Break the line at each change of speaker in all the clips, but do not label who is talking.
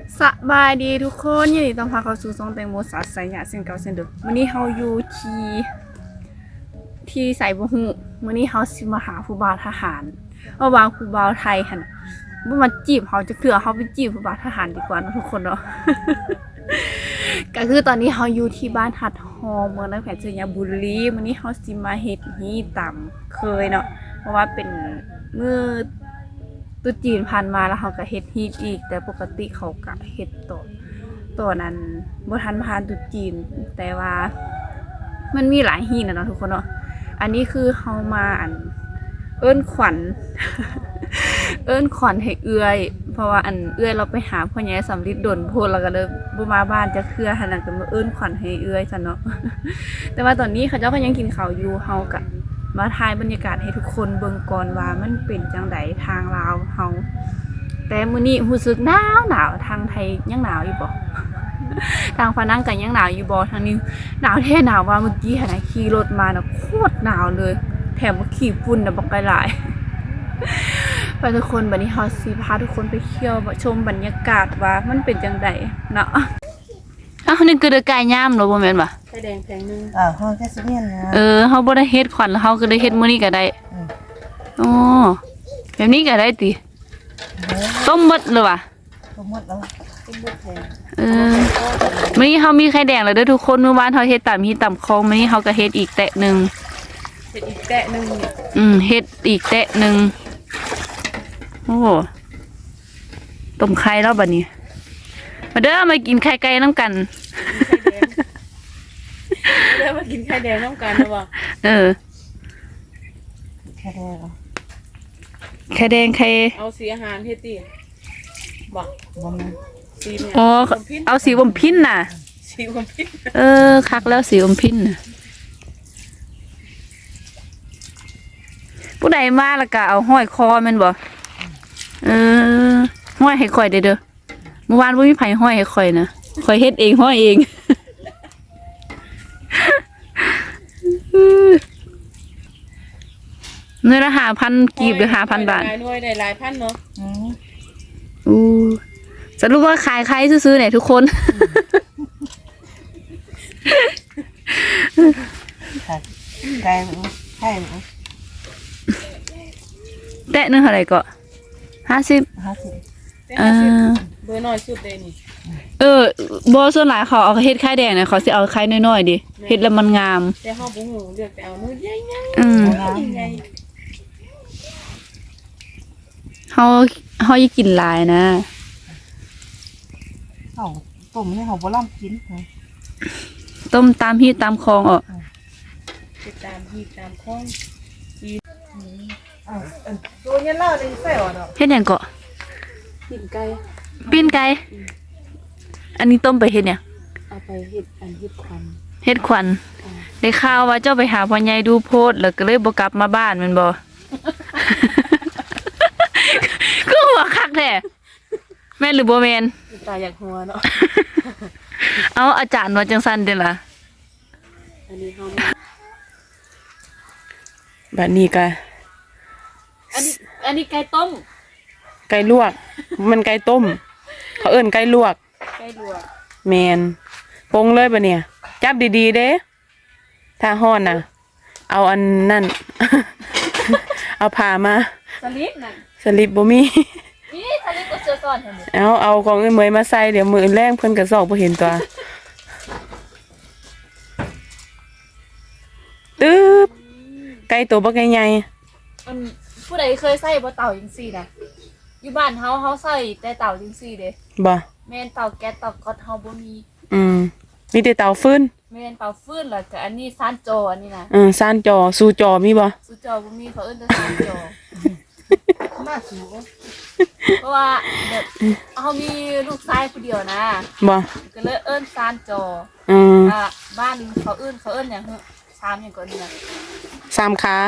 สบายดีทุกคนยินดีต้อนรับเข้าสู่ช่องแตงโมสาสายหยาเส้นเก่าเส้นเดิมวันนี้เฮาอยู่ที่ไสบ่ฮู้มื้อนี้เฮาสิมาหาผู้บ่าวทหารว่าบางผู้บ่าวไทยหั่นบ่มาจีบเฮาจักเทื่อเฮาไปจีบผู้บ่าวทหารดีกว่าเนาะทุกคนเนาะ ก็คือตอนนี้เฮาอยู่ที่บ้านหัดฮอเมืองนครศรีธรรมราชมื้อนี้เฮาสิมาเฮ็ดฮีตามเคยเนาะเพราะว่าเป็นมื้อตุษจีนผ่านมาแล้วเขาก็เฮ็ดฮีทอีกแต่ปกติเขาก็เฮ็ดตัวนั้นบ่ทันผ่านตุษจีนแต่ว่ามันมีหลายฮีทนะเนาะทุกคนเนาะอันนี้คือเฮามาเอิ้นขวัญ เอิ้นขวัญให้เอื้อยเพราะว่าเอื้อยเราไปหาพ่อใหญ่สำลิดดลโพดแล้วก็เลยบ่มาบ้านจะเครือหั่นน่ะก็มาเอิ้นขวัญให้เอื้อยซั่นเนาะ แต่ว่าตอนนี้เขาเจ้าก็ยังกินข้าวอยู่เฮาก็มาถ่ายบรรยากาศให้ทุกคนเบิ่งก่อนว่ามันเป็นจังไดทางลาวเฮาแต่มื้อนี้รู้สึกหนาวทางไทยยังหนาวอยู่บ่ ทางพะนังก็ยังหนาวอยู่บ่ทางนี้หนาวแท้หนาวว่าเมื่อกี้หั่นน่ะขี่รถมาน่ะโคตรหนาวเลยแถมว่าขี้ฝุ่นน่ะบ่ไกลหลาย ไปทุกคนบัดนี้เฮาสิพาทุกคนไปเที่ยวชมบรรยากาศว่ามันเป็นจังไดเนาะอ้าวนี่คือเดกายยามเนาะบ่แม่นบ่
ไข่แดงแพงนึง
เฮาแค่สิเมียนนะ
เฮาบ่ได้เฮ็ดขวัญเฮาก็ได้เฮ็ดมื้อนี้ก็ได้อ๋อแบบนี้ก็ได้ติต้มหมดเลยว่ะ
ต้มหมดแล้ว
ต้มบดแพง
มื้อนี้เฮามีไข่แดงแล้วเด้อทุกคนเมื่อวานเฮาเฮ็ดตามฮีตามคองมื้อนี้เฮาก็เฮ็ดอีกแตะนึง
เฮ็ดอีกแตะนึง
เฮ็ดอีกแตะนึงโอ้ต้มไข่แล้วบัดนี้มาเด้อมากินไข่ไก่นำกัน
เด้อมากินไข่แดงน้ำกันนะบ่
แค่ได้เหรอ
ไข่แดงไข่
เอาสีอาหารเฮ็ดติบ่
บ่แม่น
สีเนี่ย
อ๋อเอาสีอมพินน่ะ
สีอมพิน
คักแล้วสีอมพินน่ะผู้ใดมาแล้วก็เอาห้อยคอแม่นบ่ห้อยให้ข่อยเด้อเมื่อวานบ่มีไผห้อยให้ข่อยนะข่อยเฮ็ดเองห้อยเองเงินละ5,000กีบหรือ5,000 บาท
หลายหน่วยได้หลายพันเนาะ
สรุปว่าขายใครซื้อๆเนี่ยทุกคน
ไก่ไข่
แตะนึงเท่าไหร่ก็50
เบอร์น้อยสุดเลยนี่
บ่ส่วนหลายเขาเอาเฮ็ดไข่แดงน่ะเขาสิเอาไข่น้อยๆดิเฮ็ดแล้วมันงาม
แต่เฮาบ่ฮู้เลือกแต่เอามือใหญ่ๆใหญ่
เฮาอย่ากินหลายนะ
เฮาต้มให้เฮาบ่ล่ำกิน
ต้มตามฮีตตามคลองออก
ตามฮีตามคลอง
ตัวเนี้ยล่าได้ใส่อ่ะเนาะ
เฮ็ดหยังก็
ปิ้งไก่
อันนี้ต้มไปเฮ็ดหยัง
เอาไปเฮ็ดควัน
ได้ข่าวว่าเจ้าไปหาพ่อใหญ่ดูโพสต์แล้วก็เลยบ่กลับมาบ้านแม่นบ่ คือหัวคักแท้แม่นหรือบ่แม่น
ตาอยากหัวเนาะ
เอาอาจารย์ว่าจังซั่นเด้อล่ะ
อันนี้เฮา
บัดนี้ก็
อันนี้ไก่ต้ม
ไก่ลวกมันไก่ต้มเขาเอิ้นไก่ลวกแม่นปรุงเลยบัดเนี่ยจับดีๆเด้ถ้าฮ้อนน่ะเอาอันนั่น เอาผ้ามา
สลิปนั่น
สลิปบ่มี
นี่สลิปก็เสื้อซ่อนหั่น
เอาของเมยมาใส่เดี๋ยวมื้อแรงเพิ่นก็ซอกบ่เห็นตัวตึ๊บไก่ตัวบักใหญ่
ผู้ใดเคยใส่บ่เต่าจังซี่นะอยู่บ้านเฮาใส่แต่เต่าจังซี่เด้
บ่
แม่นเต่าแก๊สเต่าก๊อตเฮาบ่มี
มีแต่เต่าฟืน
แม่นเต่าฟืนแล้วก็อันนี้ซานจออันนี้นะ
ซานจอซูจอมีบ่
ซูจอบ่มีเขาเอิ้นแต่ซานจอ
น่าสู
เพราะว่าแบบเฮามีลูกชายผู้เดียวนะ
บ่
ก็เลยเอิ้นซานจอบ้านเขาเอิ้นหยัง3หยังก่อนนี่นะ
3ขา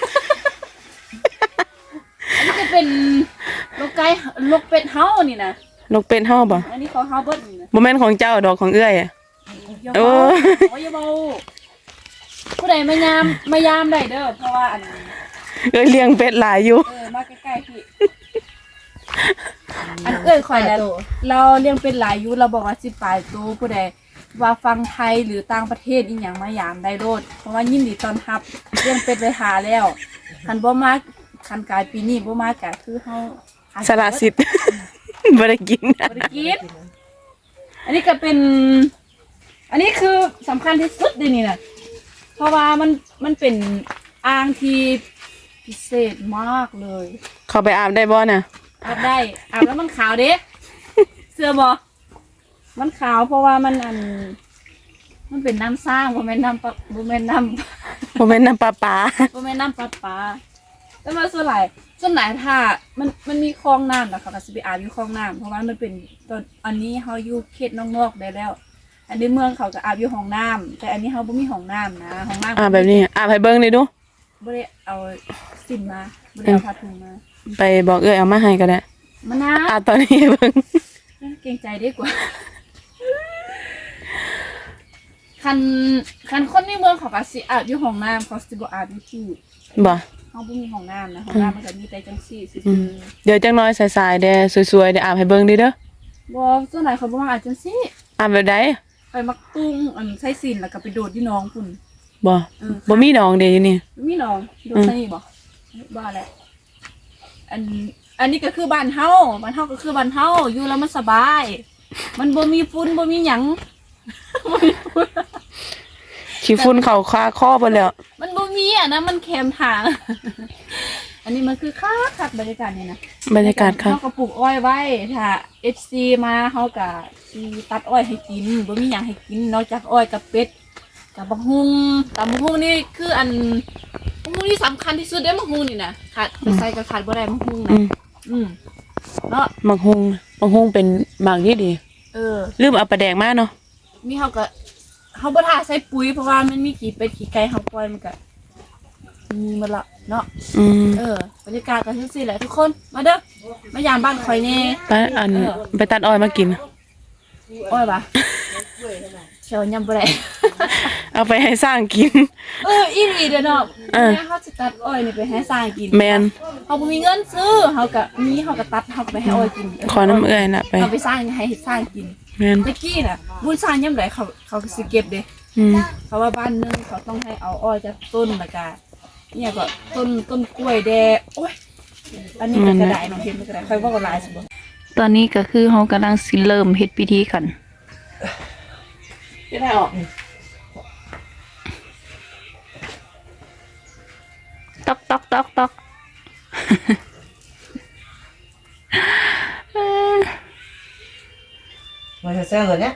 อันนี้จะเป็นนกเป็ดเฮานี่นะ
นกเป็ดเฮาบ่
อันนี้ของเฮาเบิดนี่นะ
บ่แม่นของเจ้าดอกของเอื้อย
อย่าเบาผู้ใดมายามได้เด้อเพราะว่าอัน
เลี้ยงเป็ดหลายอยู่
มาใกล้ๆพี่
อันข่อยแล้วเราเลี้ยงเป็นหลายอยู่เราบอกว่า10ปลายตัวผู้ใดว่าฟังไทยหรือต่างประเทศอีหยังมายามได้โลดเพราะว่ายินดีต้อนรับเลี้ยงเป็ดไว้หาแล้วคันบ่มาคันกายปีนี้บ่มาก็คือเฮา
สละสิทธิ์ บ่ได้กิน
บ่ได้กินอันนี้ก็เป็น อันนี้คือสำคัญที่สุดเลยนี่นะเพราะว่ามันเป็นอ่างที่พิเศษมากเลย
เข้าไปอาบได้บ่น่ะ
อาบได้อาบแล้วมันขาวเด้ เสื้อบ่มันขาวเพราะว่ามันเป็นน้ำสร้างบ่แม่นน้ำปะบ่แม่นน้ำ
บ่แม่นน้ำปลา
บ่แม่นน้ำปลาแต่ว่าส่วนหลายถ้ามันมีคลองน้ำนะคะก็สิไปอาบอยู่คลองน้ำเพราะว่ามันเป็นตอนอันนี้เฮาอยู่เขตนอกๆได้แล้ว อันนี้เมืองเขาก็อาบอยู่ห้องน้ำแต่อันนี้เฮาบ่มีห้องน้ำนะห้องน้ำ
อาบแบบนี้อาบให้เบิ่งเลยดู
บ่ได้เอาสินมาบ่ได้เอาผ้าถุงมา
ไปบอกเอ้ยเอามาให้ก็ได้
มะนาว
อาบตอนนี้ให้เบิ่ง
เกรงใจได้กว่า คันคนในเมืองเขาก็สิอาบอยู่ห้องน้ำเขาสิบ่อาบอยู่ที่
บ่
เฮาบ่มีห้องน้ำนะห้องน้ำมันก็มีแต่จังซี่ซื่อ
เดี๋ยวจังน้อยสายๆเด้สวยๆเดี๋ยวอาบให้เบิ่งดิเด้อ
ๆบ่ส่วนหลายเขาบ่มาอาบจังซี่
อาบแบบใด
ไปมักตุ้งใส่สินแล้วก็ไปโดดที่หนองพุ่น
บ่บ่มีน้องเด้อยู่นี่
มีหนองโดดใส่นี่บ่บ้าแหละอันนี้ก็คือบ้านเฮาก็คือบ้านเฮาอยู่แล้วมันสบาย มันบ่มีฝุ่นบ่มีหยัง บ่มีฝุ่น
ขี้ฝุ่นเข้าคาคอเบิดแล้ว
มันบ่มีอ่ะนะมันแคมทาง อันนี้มันคือคักบรรยากาศนี่นะ
บรรยากาศค่ะ
เฮาก็ปลูกอ้อยไว้ถ้า FC มาเฮาก็สิตัดอ้อยให้กินบ่มีหยังให้กินนอกจากอ้อยกับเป็ดกับบักฮุงบักฮุงนี่คือบักฮุงที่สำคัญที่สุดเด้บักฮุงนี่นะขาดจะใส่ก็ขาดบ่ได้บักฮุงนะเนาะ
มักฮุงเป็นหมากที่ดี ลืมเอาปลาแดงมาเนาะ
มีเฮาบ่ท่าใส่ปุ๋ยเพราะว่ามันมีขี้เป็ดขี้ไก่เฮาปล่อยมันก็มีหมดละเนาะบรรยากาศก็จังซี่แหละทุกคนมาเด้อมายามบ้านข่อยแน่
ไปตัดอ้อยมากิน
อ้อยปะเชียวยำบ่ได้
เอาไปให้สร้างกิน
อีหลีเด้อเนาะแม่เฮาสิตัดอ้อยนี่ไปให้สร้างกิน
แมน
เฮาบ่มีเงินซื้อเฮาก็ตัดเฮาก็ไปให้อ้อยกิน
ขอน้ำเอื้อยน่ะไป
เอาไปสร้างให้สร้างกิน
แมน
ตะกี้น่ะบุญสร้างยามใดเขาก็สิเก็บเด้ เพราะว่าบ้านนึงเขาต้องให้เอาอ้อยจากต้นแล้วก็เนี่ยก็ต้นกล้วยแดโอ้ยอันนี้เป็นกระดาษน้องเห็นเป็นกระดาษค่อยว่าก็หลายสิบ่ตอนนี้ก็คือเฮากำลังสิเริ่มเฮ็ดพิธีกัน
จะได้ออก
ตอกตอกตอกตอก
มันจะแซ่บเลยเนี่ย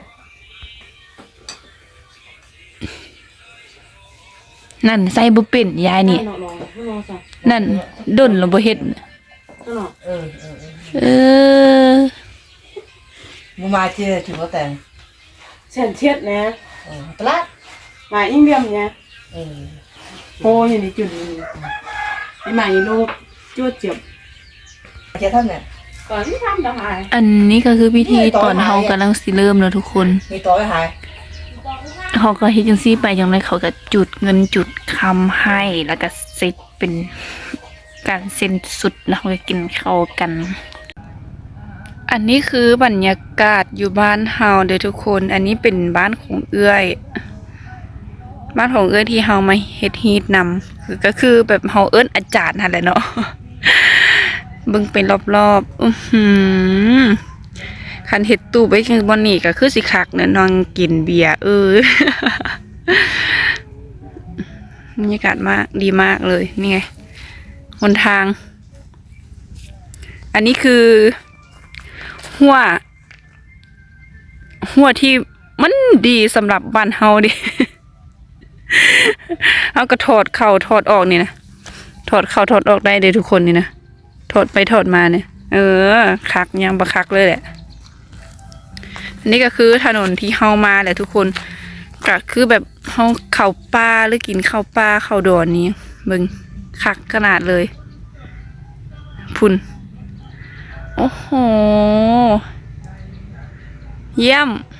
นั่นใส่บ่เป็นยายนี่นั่นดนแล้วบ่เฮ็ดเออ
มึงมาเจอถึงว่าแต่ง
เส้นเช็ดนะ
ปลา
มาอิงเดียมเนี่ย
เออ
โหอย่างนี้จุดนี้ไอ้หมาอีโลกจวดเจ็บ
เจ้าท่านเนี่ย
ก่อนที่ทำจะหาย
อันนี้ก็คือพิธีตอนเฮากำลังสิเริ่มแล้วทุกคน
มีตัวไม่หาย
เขาก็เฮ็ดจังซี่ไปจังไดเขาก็จุดเงินจุดคำให้แล้วก็เสร็จเป็นการเซ็นสุดแล้วเขาก็กินข้าวกัน อันนี้คือบรรยากาศอยู่บ้านเฮาเด้อทุกคน อันนี้เป็นบ้านของเอื้อย บ้านของเอื้อยที่เฮามาเฮ็ดฮีทนำก็คือแบบเฮาเอิ้นอาจารย์นั่นแหละเนาะ เบิ่งเป็นรอบๆคันเฮ็ดตู้ไว้คือบอนนี่ก็คือสิคักเนาะนอนกินเบียร์บรรยากาศมากดีมากเลยนี่ไงหนทาง อันนี้คือหัวที่มันดีสำหรับบ้านเฮาดิ เอาก็ถอดเข้าถอดออกนี่นะถอดเข้าถอดออกได้เลยทุกคนนี่นะถอดไปถอดมาเนี่ยคักยังบ่คักเลยแหละอันนี้ก็คือถนนที่เฮามาแหละทุกคนก็คือแบบเฮาเข้าป่าหรือกินข้าวป่าข้าวดอนนี้เบิ่งคักขนาดเลยพุ่นโอ้โหเยี่ยม